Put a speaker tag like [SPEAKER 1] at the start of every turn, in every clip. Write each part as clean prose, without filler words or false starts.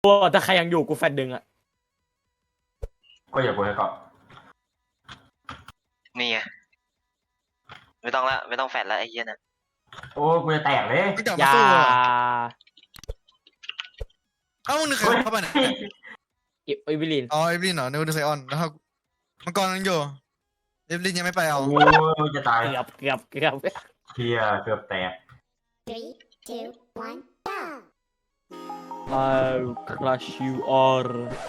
[SPEAKER 1] โอ้ถ้าใครยังอยู่กูแฟนดึงอะ
[SPEAKER 2] ก็อย่ากูให้เกาะ
[SPEAKER 3] นี่ไงไม่ต้องละไม่ต้องแฟดละไอ้เหี้ยนะ
[SPEAKER 2] โอ้กูจะแตกเลย
[SPEAKER 4] ไม่กลับ
[SPEAKER 1] อ
[SPEAKER 4] มา
[SPEAKER 1] ย่า
[SPEAKER 4] สู้เลยเอ้ามึงนึกใครเข้าไปเนี่ย
[SPEAKER 1] เอวิลิน
[SPEAKER 4] อ๋อเอฟลินเหรอนึกว่าดูไซออนแล้วมังกรยังอยู่เอฟลินยังไม่ไปเอา
[SPEAKER 2] โอ้จะตาย
[SPEAKER 1] เกือบ
[SPEAKER 2] เฮียเกือบแตก
[SPEAKER 5] Three, two, one, go!
[SPEAKER 1] I'll crush you all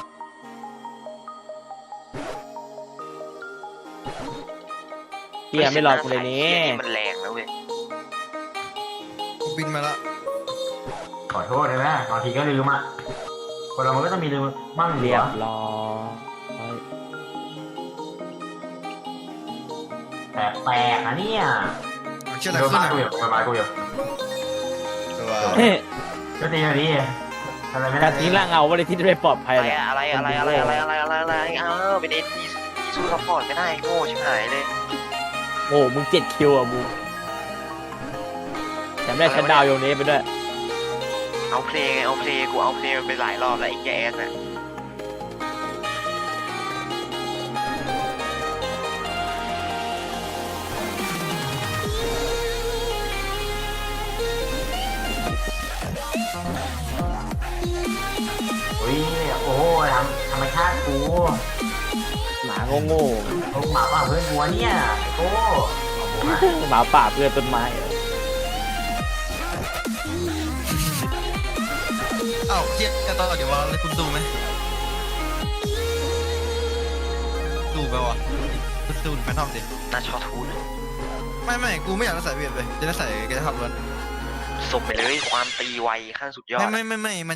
[SPEAKER 1] เฮียไม่รอกูเลยนี่
[SPEAKER 3] ไอ้เหี้ยมันแรงนะเว้ย
[SPEAKER 4] กูบินมาละ
[SPEAKER 2] ขอโทษเลยนะบางทีก็ลืมอ่ะคนเรามันก็ต้องมีลืมมั่ง
[SPEAKER 1] เรี
[SPEAKER 2] เรี
[SPEAKER 1] ย
[SPEAKER 2] ย
[SPEAKER 1] บบ ร้อย
[SPEAKER 2] แตกนะเนี่ย
[SPEAKER 4] เอาเชื่ออะไร
[SPEAKER 2] โดน
[SPEAKER 4] ขึ้น
[SPEAKER 2] มา
[SPEAKER 4] อ่ะ
[SPEAKER 2] กูอยู่โดนมากูอยู่
[SPEAKER 4] ตัว
[SPEAKER 1] เฮ้ย
[SPEAKER 2] ก็ตีแบบนี้อะไรไม่
[SPEAKER 1] กา
[SPEAKER 2] ได้
[SPEAKER 1] รทิ้งร่างเงาวันที่จะไปปลอดภัย
[SPEAKER 3] อะไร
[SPEAKER 1] เลย
[SPEAKER 3] อะไรอ้าวเป็นเอ็นดีสู้ซัพพอร์ตไม่ได้โง่ชิบหายเลย
[SPEAKER 1] โอ้มึง7 คิวอ่ะมึงแต่ไม่ได้ชัดดาวน์โยนนี้ไปด้วย
[SPEAKER 3] เอาเพลงกูเอาเพลงมันไปหลายรอบแล้วไอ้แกสน่ะ
[SPEAKER 2] อุ้ยโอ้ธรรมชาติกู
[SPEAKER 1] หมาโง่
[SPEAKER 2] โอ้หมาป่าเพื่อนกูวะเนี่ยโอ้เอาหมูมา
[SPEAKER 1] ๆหมาป่าเพื่อนต้นไม้อะ
[SPEAKER 4] เอ้าเทียบกันต่อเดี๋ยวว่าเลยคุณดูไหมดูไปวะคุณดูแฟนทอมดิ
[SPEAKER 3] น่าชอทูน
[SPEAKER 4] ไม่กูไม่อยากจะใส่เวียดเลยจะได้ใส่แกจะขับรถ
[SPEAKER 3] ส่งไปเลยความตีไวขั้นสุดยอด
[SPEAKER 4] ไม่มัน